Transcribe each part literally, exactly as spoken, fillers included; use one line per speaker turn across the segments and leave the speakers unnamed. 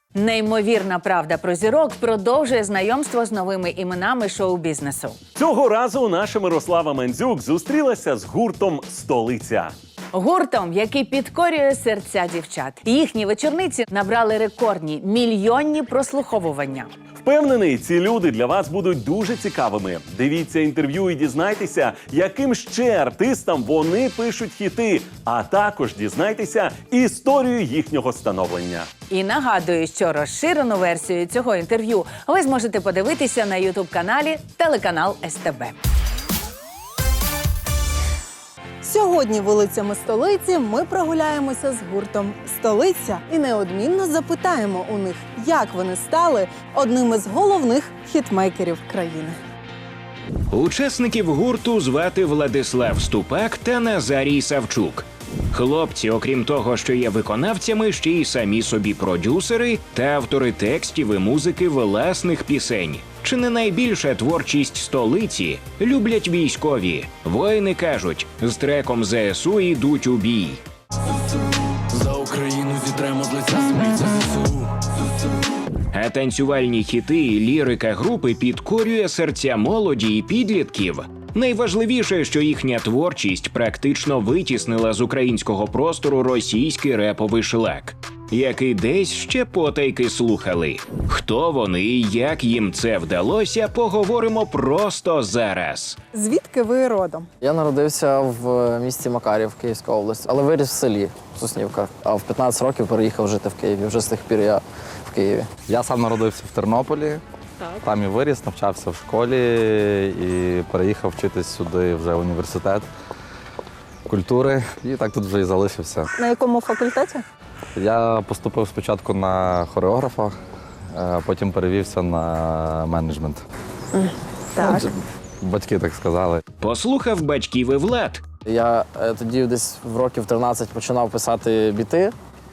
Неймовірна правда про зірок продовжує знайомство з новими іменами шоу-бізнесу.
Цього разу наша Мирослава Мендзюк зустрілася з гуртом «Столиця».
Гуртом, який підкорює серця дівчат. Їхні вечорниці набрали рекордні мільйонні прослуховування.
Впевнений, ці люди для вас будуть дуже цікавими. Дивіться інтерв'ю і дізнайтеся, яким ще артистам вони пишуть хіти, а також дізнайтеся історію їхнього становлення.
І нагадую, що розширену версію цього інтерв'ю ви зможете подивитися на ютуб-каналі телеканал ес те бе.
Сьогодні вулицями столиці ми прогуляємося з гуртом «Столиця» і неодмінно запитаємо у них, як вони стали одним із головних хітмейкерів країни.
Учасників гурту звати Владислав Ступак та Назарій Савчук. Хлопці, окрім того, що є виконавцями, ще й самі собі продюсери та автори текстів і музики власних пісень. Чи не найбільша творчість столиці люблять військові? Воїни кажуть, з треком зе ес у йдуть у бій.
За Україну зітремо з лиця землі, це зе ес у.
А танцювальні хіти і лірика групи підкорює серця молоді і підлітків. Найважливіше, що їхня творчість практично витіснила з українського простору російський реповий шлак, який десь ще потайки слухали. Хто вони і як їм це вдалося, поговоримо просто зараз.
Звідки ви родом?
Я народився в місті Макарів, Київська область, але виріс в селі Соснівка. А в п'ятнадцять років переїхав жити в Києві. Вже з тих пір я в Києві.
Я сам народився в Тернополі, там і виріс, навчався в школі і переїхав вчитись сюди вже в університет культури. І так тут вже і залишився.
На якому факультеті?
Я поступив спочатку на хореографа, е, потім перевівся на менеджмент.
Так.
Ну, батьки так сказали.
Послухав батьків і Влад.
Я е, тоді десь в років тринадцять починав писати біти.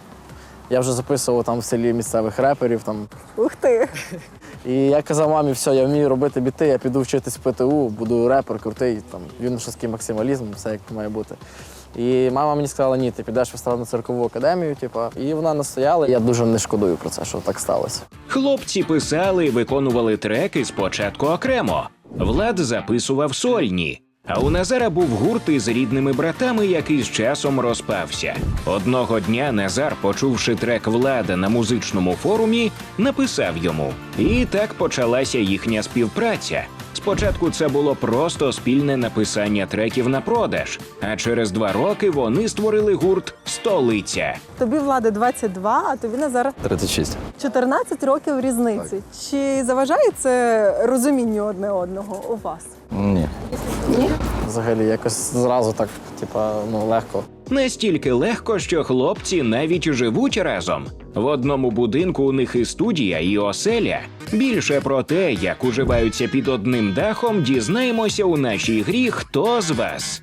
Я вже записував там в селі місцевих реперів. Там.
Ух ти!
І я казав мамі, все, я вмію робити біти, я піду вчитись в пе те у, буду репер, крутий, там, юношеський максималізм, все як має бути. І мама мені сказала, ні, ти підеш в естрадно-циркову академію, типу, і вона настояла. Я дуже не шкодую про це, що так сталося.
Хлопці писали і виконували треки спочатку окремо. Влад записував сольні. А у Назара був гурт із рідними братами, який з часом розпався. Одного дня Назар, почувши трек Влада на музичному форумі, написав йому. І так почалася їхня співпраця. Спочатку це було просто спільне написання треків на продаж, а через два роки вони створили гурт «Столиця».
Тобі, Влади, двадцять два, а тобі, Назар,
тридцять шість.
чотирнадцять років різниці. Чи заважає це розумінню одне одного у вас?
Ні.
Взагалі, якось зразу так, типа, ну, легко.
Настільки легко, що хлопці навіть живуть разом. В одному будинку у них і студія, і оселя. Більше про те, як уживаються під одним дахом, дізнаємося у нашій грі «Хто з вас?».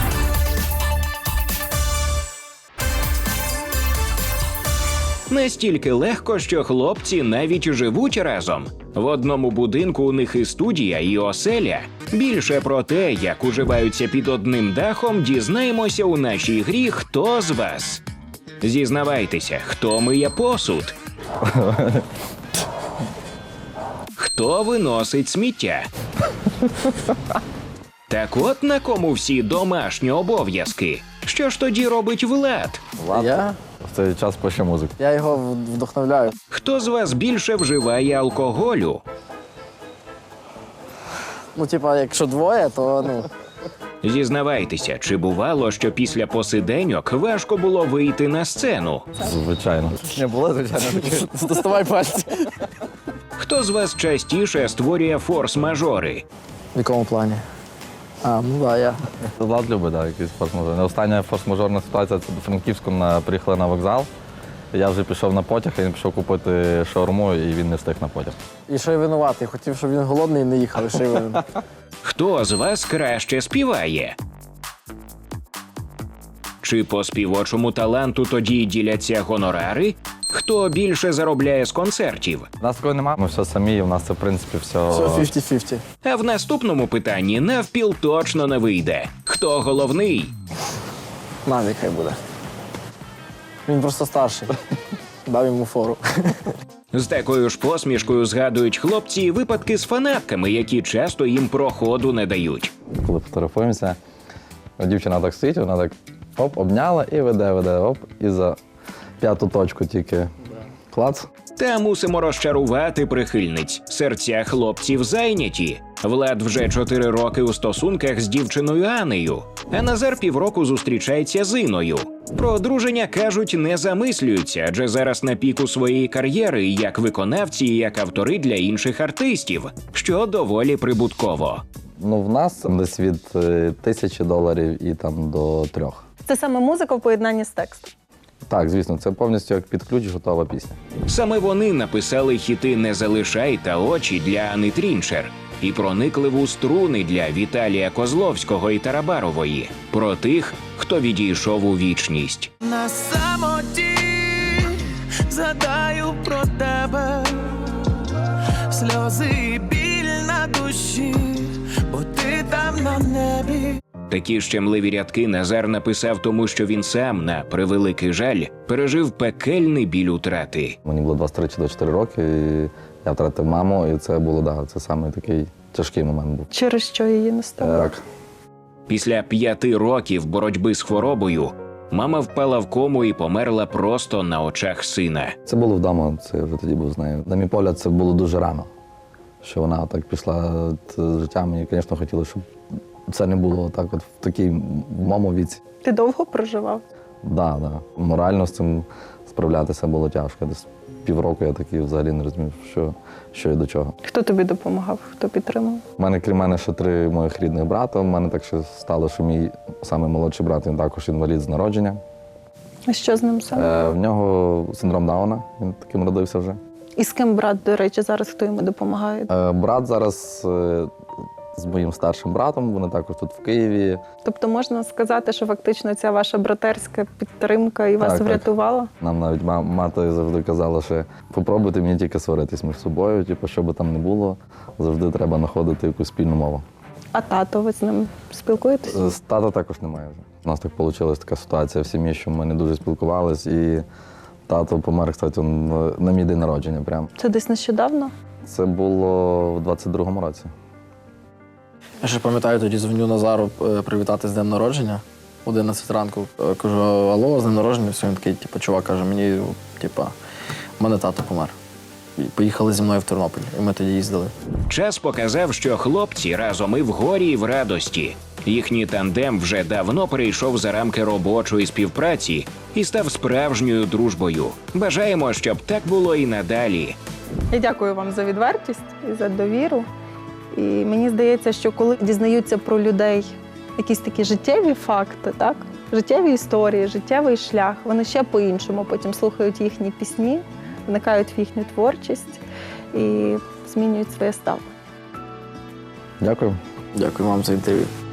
Настільки легко, що хлопці навіть живуть разом. В одному будинку у них і студія, і оселя. Більше про те, як уживаються під одним дахом, дізнаємося у нашій грі «Хто з вас?». Зізнавайтеся, хто миє посуд? Хто виносить сміття? Так от на кому всі домашні обов'язки. Що ж тоді робить Влад?
Влад
Я,
в цей час пише музику.
я його вдохновляю.
Хто з вас більше вживає алкоголю?
Ну, типа, якщо двоє, то, ну,
Зізнавайтеся, чи бувало, що після посиденьок важко було вийти на сцену?
Звичайно. Не було, звичайно, таке.
доставай пальці.
Хто з вас частіше створює форс-мажори?
В якому плані? А, ну да, я.
Влад любить, так, якийсь форс-мажор. Остання форс-мажорна ситуація, це до Франківську на, приїхали на вокзал. Я вже пішов на потяг, і він пішов купити шаурму, і він не встиг на потяг.
І ще й винуватий. Хотів, щоб він голодний і не їхав. І ще й винен.
Хто з вас краще співає? Чи по співочому таланту тоді діляться гонорари? Хто більше заробляє з концертів?
У нас такого немає, ми все самі, і у нас це, в принципі, все...
Все п'ятдесят на п'ятдесят.
А в наступному питанні навпіл точно не вийде. Хто головний?
Навік хай буде. Він просто старший. дав йому фору.
З такою ж посмішкою згадують хлопці випадки з фанатками, які часто їм проходу не дають.
Коли фотографуємося, дівчина так стоїть, вона так оп, обняла і веде, веде, оп, і за п'яту точку тільки клац.
Та мусимо розчарувати прихильниць. Серця хлопців зайняті. Влад вже чотири роки у стосунках з дівчиною Анею, а Назар півроку зустрічається з Іною. Про одруження, кажуть, не замислюються, адже зараз на піку своєї кар'єри як виконавці і як автори для інших артистів, що доволі прибутково.
Ну, в нас десь від е, тисячі доларів і там до трьох.
Це саме музика в поєднанні з текстом.
Так, звісно, це повністю як під ключ готова пісня.
Саме вони написали хіти «Не залишай» та «Очі» для Ани Трінчер і проникливу «Струни» для Віталія Козловського і Тарабарової. Про тих, хто відійшов у вічність.
На самоті згадаю про тебе, сльози і біль на душі, бо ти там на небі.
Такі щемливі рядки Назар написав тому, що він сам, на превеликий жаль, пережив пекельний біль утрати.
Мені було двадцять три чи двадцять чотири роки, і я втратив маму, і це було, да, це саме такий тяжкий момент був.
Через що її не стало?
Так.
Після п'яти років боротьби з хворобою мама впала в кому і померла просто на очах сина.
Це було вдома, це я вже тоді був з нею. На мій погляд, це було дуже рано, що вона так пішла з життям. І, звісно, хотіла, щоб це не було так от в такій в моєму віці.
Ти довго проживав?
Так, да, да. Морально з цим справлятися було тяжко. Десь півроку я такий взагалі не розумів, що, що і до чого.
Хто тобі допомагав? Хто підтримав?
У мене, крім мене, ще три моїх рідних брата. У мене так ще стало, що мій самий молодший брат, він також інвалід з народження.
А що з ним саме?
Е, в нього синдром Дауна, він таким родився вже.
І з ким брат, до речі, зараз хто йому допомагає?
Е, брат зараз е, з моїм старшим братом, вони також тут в Києві.
Тобто можна сказати, що фактично ця ваша братерська підтримка і вас
Так, так.
врятувала?
Нам навіть ма- мати завжди казала, що попробуйте мені тільки сваритись між собою, типу, що би там не було, завжди треба знаходити якусь спільну мову.
А тато, ви з ним спілкуєтесь?
З тата також немає вже. У нас так вийшла така ситуація в сім'ї, що ми не дуже спілкувались, і тато помер, кстати, он на мій день народження. Прям.
Це десь нещодавно?
Це було в двадцять другому році.
Я ще пам'ятаю, тоді дзвоню Назару е, привітати з днем народження. одинадцять ранку. Е, Кажу, алло, з днем народження. Все, він такий, типу, чувак каже, мені, типу, в мене тато помер. І поїхали зі мною в Тернопіль, і ми тоді їздили.
Час показав, що хлопці разом і в горі, і в радості. Їхній тандем вже давно перейшов за рамки робочої співпраці і став справжньою дружбою. Бажаємо, щоб так було і надалі.
Я дякую вам за відвертість і за довіру. І мені здається, що коли дізнаються про людей якісь такі життєві факти, так? Життєві історії, життєвий шлях, вони ще по-іншому потім слухають їхні пісні, вникають в їхню творчість і змінюють своє ставлення.
Дякую.
Дякую вам за інтерв'ю.